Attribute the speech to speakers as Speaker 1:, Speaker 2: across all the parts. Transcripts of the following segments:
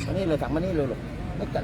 Speaker 1: มานี่เลยสั่งมานี่เลยไม่กัด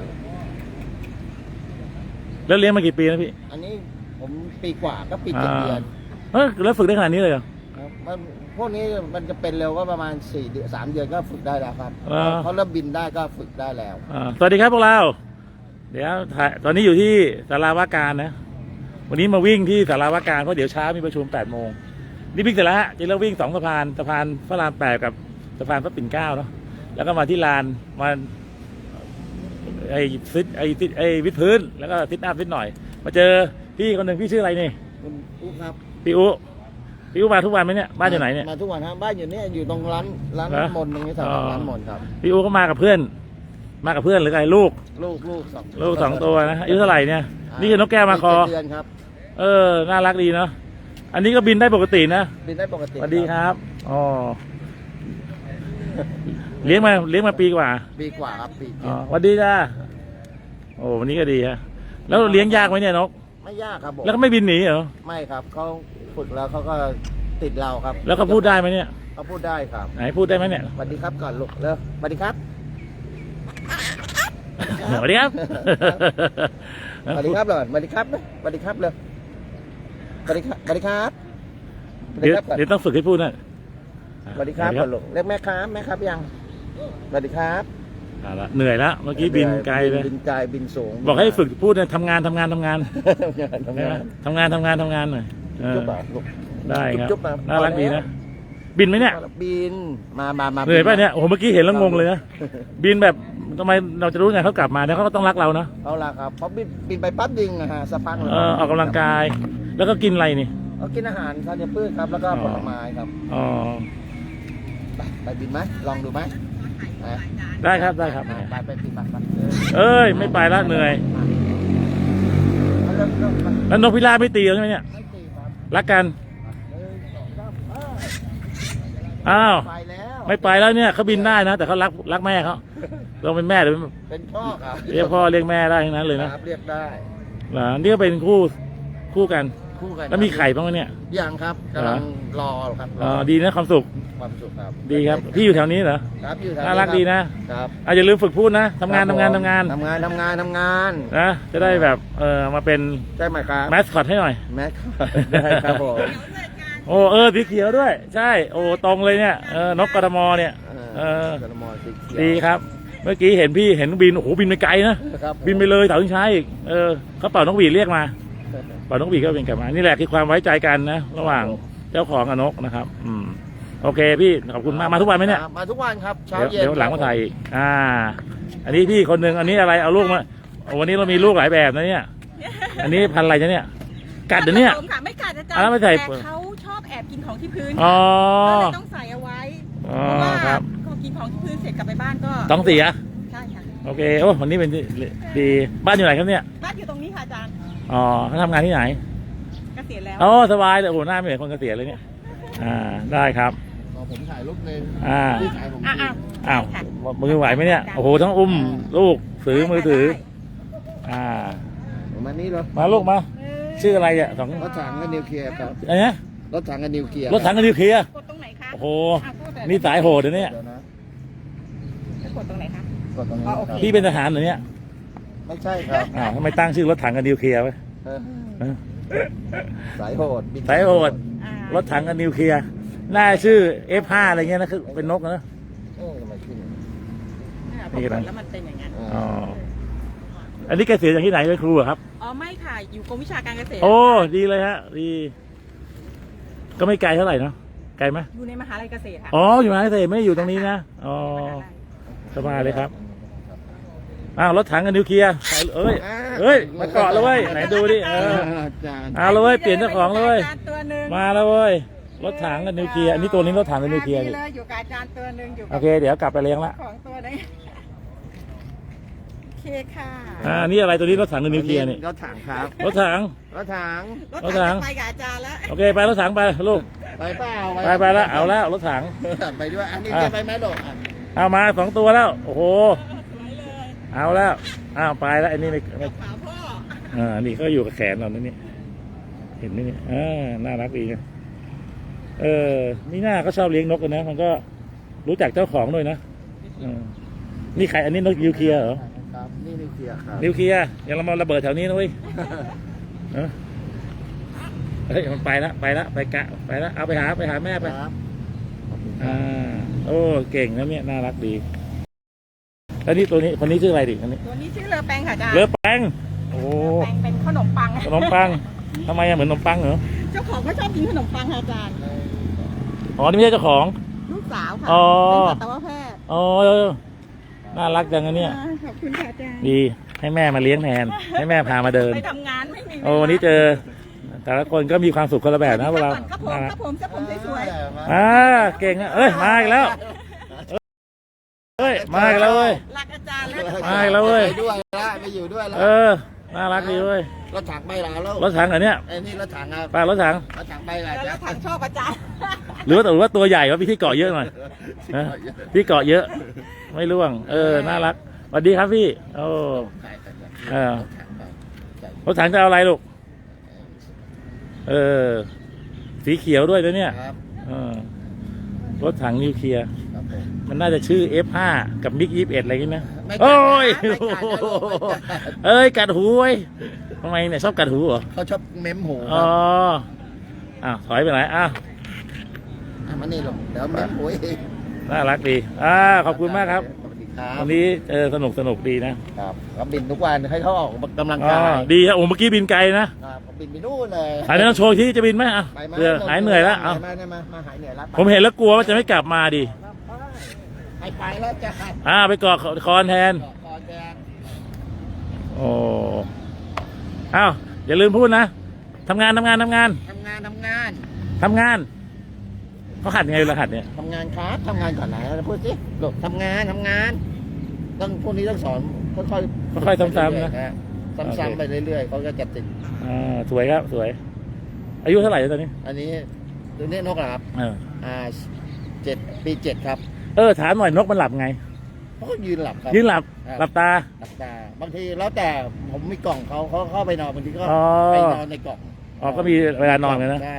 Speaker 2: แล้วเลี้ยงมากี่ปีแล้วพี่
Speaker 1: อันนี้ผมปีกว่าก็ปี7 เดือน
Speaker 2: แล้วฝึกได้ขนาดนี้เลยเหรอ
Speaker 1: มันพวกนี้มันจะเป็นเร็วก็ประมาณ4 เดือน 3 เดือนก็ฝึกได้แล้วครับเขาเริ่มบินได้ก็ฝึกได้แล้ว
Speaker 2: สวัสดีครับพวกเราเดี๋ยวตอนนี้อยู่ที่ศาลาว่าการนะวันนี้มาวิ่งที่ศาลาว่าการเพราะเดี๋ยวเช้ามีประชุม8 โมงนี่วิ่งเสร็จแล้วจะเริ่มวิ่ง2 สะพานพระราม8กับสะพานพระปิ่นเกล้าเนาะแล้วก็มาที่ลานมาไอ้วิดพื้นแล้วก็ซิทอัพนิดหน่อยมาเจอพี่คนหนึ่งพี่ชื่ออะไรนี่
Speaker 1: คุณอุ๊ครับ
Speaker 2: พี่อุ๊มาทุกวันไหมเนี่ยบ้านอยู่ไหนเนี่ย
Speaker 1: มาทุกวันครับบ้านอยู่เนี่ยอยู่ตรงร้านมนตรงนี้ครับร้านมนครับ
Speaker 2: พี่อุ๊ก็มากับเพื่อนหรือไงลูก2 ตัวนะอายุเท่าไหร่เนี่ยนี่คือนกแก้วมาคอ
Speaker 1: เดือนครับ
Speaker 2: น่ารักดีเนาะอันนี้ก็บินได้ปกตินะ
Speaker 1: บินได้ปกติ
Speaker 2: สวัสดีครับอ๋อเลี้ยงมาปีกว่า
Speaker 1: ครับปี
Speaker 2: สวัสดีจ้าโอ้วันนี้ก็ดีฮะแล้วเลี้ยงยากไหมเนี่ยนก
Speaker 1: ไม่ยากครับผม
Speaker 2: แล้วก็ไม่บินหนีเหรอ
Speaker 1: ไม่ครับเขาฝึกแล้วเขาก็ติดเราครับ
Speaker 2: แล้วเขาพูดได้ไหมเนี่ย
Speaker 1: เขาพูดได้ครับ
Speaker 2: ไหนพูดได้ไหมเนี่ย
Speaker 1: สวัสดีครับก่อนลูกเร็วสวัสดีครับ
Speaker 2: สวัสดีครับ
Speaker 1: สวัสดีครับเลยสวัสดีครับสวัสดีครับเลยสวัสดีครับ
Speaker 2: เดี๋ยวต้องฝึกให้พูดนะ
Speaker 1: สวัสดีครับก่อนลูกเรียกแม่ครับยังสวัสดีครับ
Speaker 2: เหนื่อยแล้วเมื่อกี้บินไกลเลย
Speaker 1: บินไกลบินสูง
Speaker 2: บอกให้ฝึกพูดเนี่ยทำงานหน่อยได้ครับน่ารักดีนะบินไหมเนี่ย
Speaker 1: บินมา
Speaker 2: เหนื่อยป่ะเนี่ยโอ้โหเมื่อกี้เห็นแล้วงงเลยนะบินแบบทำไมเราจะรู้ไงเขากลับมาเนี่ยเขาก็ต้องรักเราเนาะ
Speaker 1: เขารักครับเพราะบินไปปั๊บดึงนะฮะสักพัก
Speaker 2: ออกกำลังกายแล้วก็กินอะไรนี่
Speaker 1: กินอาหารธัญพืชครับแล้วก็ผลไม้ครับไปบินไหมลองดูไหม
Speaker 2: ได้ครับ
Speaker 1: ไปบินไป
Speaker 2: ไม่ไปแล้วเหนื่อยแล้วนกพิราบไม่ตีใช่ไหมเนี่ยรักกันอ้าวไม่ไปแล้วเนี่ยเขาบินได้นะแต่เขารักแม่เขาเราเป็นแม่หรือ
Speaker 1: เป็นพ่อครับ
Speaker 2: เรียกพ่อเรียกแม่ได้ทั้งนั้นเลยนะ
Speaker 1: เรียกได้
Speaker 2: นี่ก็เป็นคู่กันแล้วมีไข่บ้างไหมเนี่ย
Speaker 1: ยังครับกำลังรอครับ
Speaker 2: ดีนะความสุข
Speaker 1: ครับ
Speaker 2: ดีครับพี่อยู่แถวนี้เหรอ
Speaker 1: ครับอยู่แถว
Speaker 2: น่ารักดีนะครับอย่าลืมฝึกพูดนะทำงานนะจะได้แบบมาเป็น
Speaker 1: ได้ไหมครับ
Speaker 2: แมสคอตให้หน่อย
Speaker 1: แมสคอตได้ครับผม
Speaker 2: โอ้สีเขียวด้วยใช่โอ้ตรงเลยเนี่ยนกกทมเนี่ยดีครับเมื่อกี้เห็นบินโอ้โหบินไปไกลนะบินไปเลยเต่าชิงช้าอีกเขาเป่านกหวีดเรียกมาเป่านกหวีดก็เป็นกลับมานี่แหละคือความไว้ใจกันนะระหว่างเจ้าของกับนกนะครับโอเคพี่ขอบคุณมากมาทุกวันไหมเนี่ย
Speaker 1: มาทุกวันครับเช้าเย็น
Speaker 2: เดี๋ยวหลังมาถ่ายอีกอันนี้พี่คนหนึ่งอันนี้อะไรเอาลูกมาวันนี้เรามีลูกหลายแบบนะเนี่ยอันนี้พันอะไรเนี่ยกัดเดี๋ยวนี้
Speaker 3: ไม่กัดอาจารย์แต่เขาชอบแอบกินของที่พื้นก็เลยต้องใส่เอาไว้เพราะว่าพอกินของที่พื้นเสร็จกลับไปบ้านก็
Speaker 2: ต้องเสีย
Speaker 3: ใช่ค่ะ
Speaker 2: โอเคโอ้วันนี้เป็นดีบ้านอยู่ไหนครับเนี่ย
Speaker 3: บ้านอยู่ตรงนี้ค่ะอาจารย์
Speaker 2: เขาทำงานที่ไหน
Speaker 3: เกษียณแล้ว
Speaker 2: สบายเลยโอ้หน้าไม่เหมือนคนเกษียณเลยเนี่ยได้ครับ
Speaker 1: ผมถ่ายรูปนึง
Speaker 2: อ้าวมือไหวไหมเนี่ยโอ้โหทั้งอุ้มลูกมือถือ
Speaker 1: มานี่เหรอ
Speaker 2: มาลูกมาชื่ออะไรอ่ะ
Speaker 1: รถถังกับนิวเคลียร์ครับ
Speaker 2: อะไรนะ
Speaker 1: รถถังกับนิวเคลียร์
Speaker 2: กดต
Speaker 3: รงไหนคะ
Speaker 2: โอ้โหนี่สายโหดเลยเนี่ย
Speaker 3: กดตรงไหนคะ
Speaker 1: กดตรงนี้
Speaker 2: พี่เป็นทหารเหรอเนี่ย
Speaker 1: ไม่ใช่ครับ
Speaker 2: ทำไมตั้งชื่อรถถังกับนิวเคลียร์ไว้
Speaker 1: สายโหด
Speaker 2: รถถังกับนิวเคลียร์น่าชื่อ F5 อะไรเงี้ยนะคือเป็นนกนะ
Speaker 3: นี่กันแล้วมันเป็นอย่างนั้น
Speaker 2: อันนี้เกษียณจากที่ไหนเป็นครูครับ
Speaker 3: ไม่ค่ะอยู่กรมวิชาการเกษตร
Speaker 2: โอ้ดีเลยฮะดีก็ไม่ไกลเท่าไหร่เนาะไกลไหม
Speaker 3: อยู่ในมหาลัยเกษตรค่ะ
Speaker 2: อยู่มหาลัยเกษตรไม่ได้อยู่ตรงนี้นะสบายเลยครับรถถังกับนิวเคลียร์มาเกาะเลยเว้ยไหนดูดิเลยเปลี่ยนเจ้าของเลยมาแล้วเว้ยรถถังกับนิวเคลียร์อันนี้ตัวนี้รถถังกับนิวเคลียร์
Speaker 3: อยู่กับอาจารย์ตัวนึงอยู่
Speaker 2: โอเคเดี๋ยวกลับไปเลี้ยงละ
Speaker 3: ของตัวนึงโอเคค่ะ
Speaker 2: นี่อะไรตัวนี้รถถังกับนิวเคลียร์นี่
Speaker 1: รถถังครับ
Speaker 2: รถถัง
Speaker 3: ไปกับอาจารย์แล้ว
Speaker 2: โอเคไปรถถังไปลูก
Speaker 1: ไปเปล่า
Speaker 2: ไปแล้วเอาแล้วรถถัง
Speaker 1: ไปด้วยอันนี้จะไปไหมลูก
Speaker 2: เอามา2 ตัวแล้วโอ้โหเอาแล้วไปแล้วอันนี้ไม่นี่เขาอยู่กับแขนเราเนี่ยเห็นไหมเนี่ยน่ารักดีนะนี่หน้าก็ชอบเลี้ยงนกกันนะมันก็รู้จักเจ้าของด้วยนะนี่ใครอันนี้นกนิวเคลียร์เหรอ
Speaker 1: ครับนี่นิวเคลียร์ครับ
Speaker 2: นิวเคลียร์อย่าเรามาระเบิดแถวนี้นะเว้ยเฮ้ยมันไปละไปกะไปละเอาไปหาแม่ไป
Speaker 1: ครับ
Speaker 2: โอ้เก่งนะเนี่ยน่ารักดีแล้วนี่ตัวนี้คนนี้ชื่ออะไรดิอันนี้
Speaker 3: ตัวนี้ชื่อเลอแปงค่ะอาจารย์
Speaker 2: เลือแป้งโอ้
Speaker 3: แปงเป็นขนมปัง
Speaker 2: ขนมปังทำไมอะเหมือนขนมปังเหรอ
Speaker 3: เจ้าของก็ชอบกินขนมปังค่ะอาจารย์
Speaker 2: อ๋อนี่ไม่ใช่เจ้าของ
Speaker 3: ลูกสาวค่ะ
Speaker 2: อ๋อ
Speaker 3: เป็นสัตวแพทย์
Speaker 2: อ๋อน่ารักจังนะเนี่ย
Speaker 3: ขอบคุณค่ะอาจารย์
Speaker 2: ดีให้แม่มาเลี้ยงแทนให้แม่พามาเดิน
Speaker 3: ไปทำงานไม่มี
Speaker 2: โอ้วันนี้เจอ แต่ละคนก็มีความสุขคนละแบบนะเวลา
Speaker 3: ครับผมครับผมครับผมสวย
Speaker 2: เก่งนะเอ้ยมาอีกแล้วเอ้ยมาอีกแล้วเว้ย
Speaker 3: ๆรักอาจารย์แล้ว
Speaker 2: มาอีกแล้วเว้ย
Speaker 1: ไปด้วยละไปอยู่ด้วยละ
Speaker 2: น่ารักดีเว้ย
Speaker 1: รถถังไปแล้ว
Speaker 2: รถถังเหรอเนี่ย
Speaker 1: ไอ้นี่รถถังครับ
Speaker 2: ป้ารถถัง
Speaker 1: รถถังไปแล้ว
Speaker 3: แล้วถังชอบอาจารย์
Speaker 2: หรือว่าตัวใหญ่ว่าพี่ที่เกาะเยอะหน่อยนะพี่เกาะเยอะ ไม่ร่วงน่ารักสวัสดีครับพี่โอ้รถถังจะเอาอะไรลูกสีเขียวด้วยนะเนี่ย
Speaker 1: ครับ
Speaker 2: รถถังนิวเคลียร์
Speaker 1: ครับผม
Speaker 2: มันน่าจะชื่อ F5 กับมิก21อะไรอย่างนี้นะ
Speaker 1: ไม่กัด
Speaker 2: โอ้ย
Speaker 1: ไม่กัดนะลูกไม่กัด
Speaker 2: เอ้ยกัดหูเว้ยทำไมเนี่ยชอบกัดหูเหรอ
Speaker 1: เขาชอบเม้มหูค
Speaker 2: อ๋
Speaker 1: รั
Speaker 2: อบ ถอยไปไหน
Speaker 1: มานี่ลงเดี๋ยวเม้มหูเอง
Speaker 2: น่ารักดีขอบคุณมากครับ
Speaker 1: สวัสดีครับ
Speaker 2: วันนี้สนุกดีนะครับ
Speaker 1: เขาบินทุกวันให้เขาออกกำลังกาย
Speaker 2: ดีครับโอ้เมื่อกี้บินไกลนะครับ
Speaker 1: เขาบินไปนู่นเลย
Speaker 2: อันนี้ต้องโชว์ที่จะบินไหม
Speaker 1: ไปมา
Speaker 2: เผื่อหายเหนื่อยแล้ว
Speaker 1: มาหายเหนื่อยแล้ว
Speaker 2: ผมเห็นแล้วกลัวว่าจะไม่กลับมาดิ
Speaker 1: ไปแล้วจะ
Speaker 2: ไปเกาะคอนแทน
Speaker 1: คอนแดง
Speaker 2: โอ้อย่าลืมพูดนะทำงานเขาหัดไงเวลาหัดเนี่ย
Speaker 1: ทำงานครับทำงานก่อนไหนพูดสิลูกทำงานต้องพวกนี้ต้องสอนค่อยๆ
Speaker 2: ซ้ำๆนะ
Speaker 1: ซ้ำๆไปเรื่อยๆเขาก็จะติด
Speaker 2: สวยครับสวย อายุเท่าไหร่แล้วตอนนี้
Speaker 1: อันนี้ตัวนี้นกเหรอครับ7 ปี 7 ครับ
Speaker 2: ถามหน่อยนกมันหลับไง
Speaker 1: เขาก็ยืนหลับครับ
Speaker 2: ยืนหลับตา
Speaker 1: หลับตาบางทีแล้วแต่ผมมีกล่องเขาเข้าไปนอนบางทีก็ไปนอนในกล่อง
Speaker 2: ก็มีเวลานอนกันนะ
Speaker 1: ได้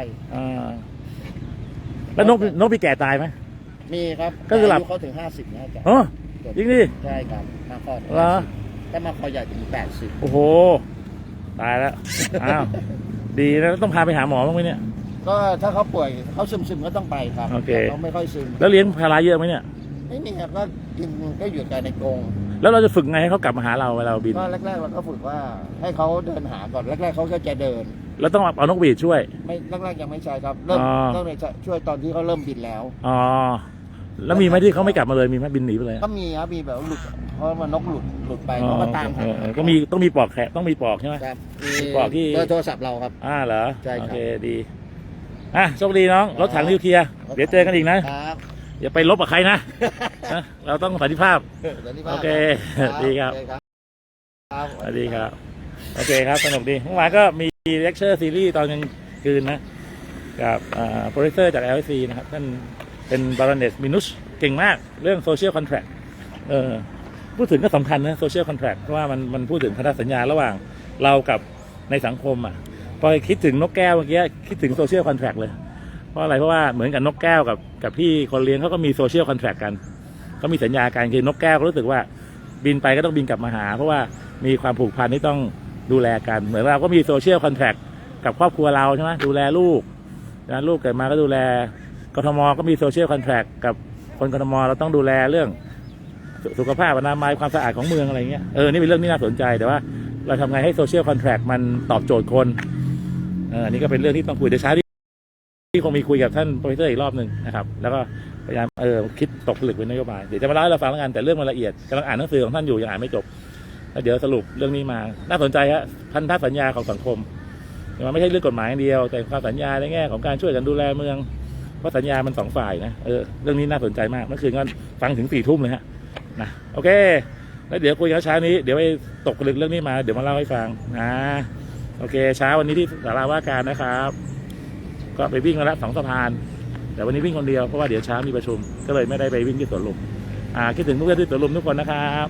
Speaker 2: แล้วนกมีแก่ตายไหม
Speaker 1: มีครับ
Speaker 2: ก็คือหลับ
Speaker 1: ายุเขาถึง50นะจ๊ะ
Speaker 2: จริงดิ
Speaker 1: ใช่ครับมาคอ
Speaker 2: เหรอ
Speaker 1: ถ้ามาคอใหญ่ถึง80
Speaker 2: โอ้โหตายแล้วดีนะต้องพาไปหาหมอบ้างไหมเนี่ย
Speaker 1: ก็ถ้าเขาป่วยเขาซึมก็ต้องไปครับ
Speaker 2: โอเค
Speaker 1: เขาไม่ค่อยซึม
Speaker 2: แล้วเลี้ยงพาราเยอะไหมเนี่ย
Speaker 1: ไม่มีครับก็กินก็อยู่แต่ในกรง
Speaker 2: แล้วเราจะฝึกไงให้เขากลับมาหาเราเวลาเราบิน
Speaker 1: ก็แรกๆเราก็ฝึกว่าให้เขาเดินหาก่อนแรกๆเขาก็จะเดิน
Speaker 2: แล้วต้องเอานกหวีดช่วย
Speaker 1: ไม่แรกๆยังไม่ใช่ครับเริ่ม
Speaker 2: อ๋อ
Speaker 1: ต้องเลยช่วยตอนที่เขาเริ่มบินแล้ว
Speaker 2: แล้วมีไหมที่เขาไม่กลับมาเลยมีไหมบินหนีไปเลย
Speaker 1: ก็มีครับมีแบบหลุดเพราะมันนกหลุดไปเขาก็ตามหา
Speaker 2: ก็ต้องมีปลอกแขกต้องมีปลอกใช่ไหม
Speaker 1: ครับ
Speaker 2: บอกที่
Speaker 1: เบอร์โทรศัพท์เราครับ
Speaker 2: เหรอ
Speaker 1: ใช่ครับ
Speaker 2: โอเคดีโชคดีน้องรถถังนิวเคลียร์เดี๋ยวเจอกันอีกนะ
Speaker 1: ครับ
Speaker 2: อย่าไปลบกับใครนะเราต้องสันติภาพ โอเคดีครับ สวัสดีครับโอเคครับสนุกดีเมื่อวานก็มีเลคเชอร์ซีรีส์ตอนกลางคืนนะกับโปรดิวเซอร์จาก LSC นะครับท่านเป็นบารอนเนสมินุชเก่งมากเรื่องโซเชียลคอนแทรคพูดถึงก็สำคัญนะโซเชียลคอนแทรคเพราะว่ามันพูดถึงพันธสัญญาระหว่างเรากับในสังคมพอคิดถึงนกแก้วเมื่อกี้คิดถึงโซเชียลคอนแทรคเลยเพราะอะไรเพราะว่าเหมือนกับนกแก้วกับพี่คนเลี้ยงเขาก็มีโซเชียลคอนแทรคกันเขามีสัญญาการคือนกแก้วก็รู้สึกว่าบินไปก็ต้องบินกลับมาหาเพราะว่ามีความผูกพันที่ต้องดูแลกันเหมือนเราก็มีโซเชียลคอนแทรคกับครอบครัวเราใช่ไหมดูแลลูกนะลูกเกิดมาก็ดูแลกทมก็มีโซเชียลคอนแทรคกับคนกทมเราต้องดูแลเรื่องสุขภาพอนามัยความสะอาดของเมืองอะไรเงี้ยนี่เป็นเรื่องที่น่าสนใจแต่ว่าเราทำไงให้โซเชียลคอนแทรคมันตอบโจทย์คนอันนี้ก็เป็นเรื่องที่ต้องคุยเดี๋ยวเช้าที่คงมีคุยกับท่านโปรเฟสเซอร์อีกรอบหนึ่งนะครับแล้วก็พยายามคิดตกผลึกเป็นนโยบายเดี๋ยวจะมาเล่าให้เราฟังแล้วกันแต่เรื่องมันละเอียดกำลังอ่านหนังสือของท่านอยู่ยังอ่านไม่จบแล้วเดี๋ยวสรุปเรื่องนี้มาน่าสนใจฮะพันธสัญญาของสังคมมันไม่ใช่เรื่องกฎหมายอย่างเดียวแต่ความสัญญาในแง่ของการช่วยกันดูแลเมืองเพราะสัญญามัน2 ฝ่ายนะเรื่องนี้น่าสนใจมากเมื่อคืนก็ฟังถึง4 ทุ่มเลยฮะนะโอเคแล้วเดี๋ยวคุยกันเช้านี้เดี๋ยวไปตกผลึกเรื่องนี้มาเดี๋ยวมาเล่าให้ฟังนะโอเคเช้าวันนี้ที่ศาลาว่าการนะครับก็ไปวิ่งมาแล้ว2 สะพานแต่วันนี้วิ่งคนเดียวเพราะว่าเดี๋ยวเช้ามีประชุมก็เลยไม่ได้ไปวิ่งที่สวนลุมคิดถึงเพื่อนที่สวนลุมทุกคนนะครับ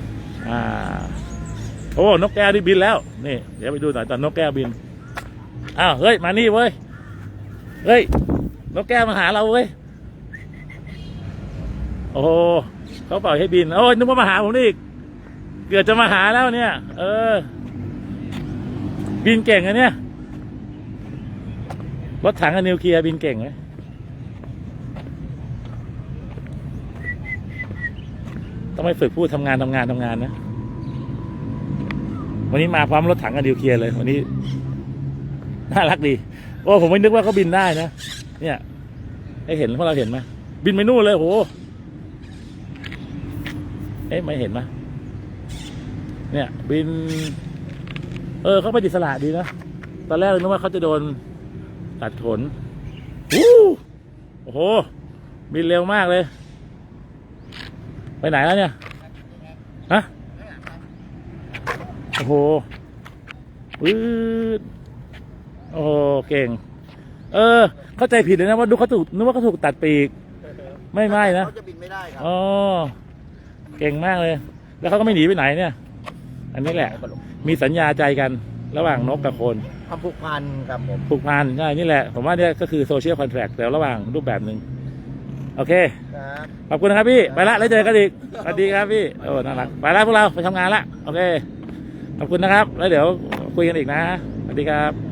Speaker 2: โอ้นกแก้วที่บินแล้วนี่เดี๋ยวไปดูหน่อยตอนนกแก้วบินเฮ้ยมานี่เว้ยเฮ้ยนกแก้วมาหาเราเว้ยโอ้เขาปล่อยให้บินโอ้ยนึกว่ามาหาผมนี่อีกเกือบจะมาหาแล้วเนี่ย บินเก่งอะเนี่ยรถถังกับนิวเคลียร์บินเก่งไหมต้องไปฝึกพูดทำงานนะวันนี้มาพร้อมรถถังกับนิวเคลียร์เลยวันนี้น่ารักดีโอ้ผมไม่นึกว่าเขาบินได้นะเนี่ยให้เห็นพวกเราเห็นไหมบินไปนู่นเลยโหไม่เห็นไหมเนี่ยบินเขาไปอิสระดีนะตอนแรกนึกว่าเขาจะโดนตัดขนโอ้โหบินเร็วมากเลยไปไหนแล้วเนี่ยฮะโอ้โหโอ้โหเก่งเข้าใจผิดเลยนะว่าดูเขาถูกนึกว่าเขาถูกตัดปีกไม่นะ
Speaker 1: เขาจะบินไม่ได้ครับ
Speaker 2: อ๋อเก่งมากเลยแล้วเขาก็ไม่หนีไปไหนเนี่ยอันนี้แหละมีสัญญาใจกันระหว่างนกกับคน
Speaker 1: ความผูกพันครับผม
Speaker 2: ผูกพันใช่นี่แหละผมว่าเนี่ยก็คือโซเชียลคอนแทรคแต่ระหว่างรูปแบบหนึ่งโอเคขอบคุณนะครับพี่ไปละแล้วเจอกันอีกสวัสดีครับพี่โอ้น่ารักไปละพวกเราไปทำงานละโอเคขอบคุณนะครับแล้วเดี๋ยวคุยกันอีกนะสวัสดีครับ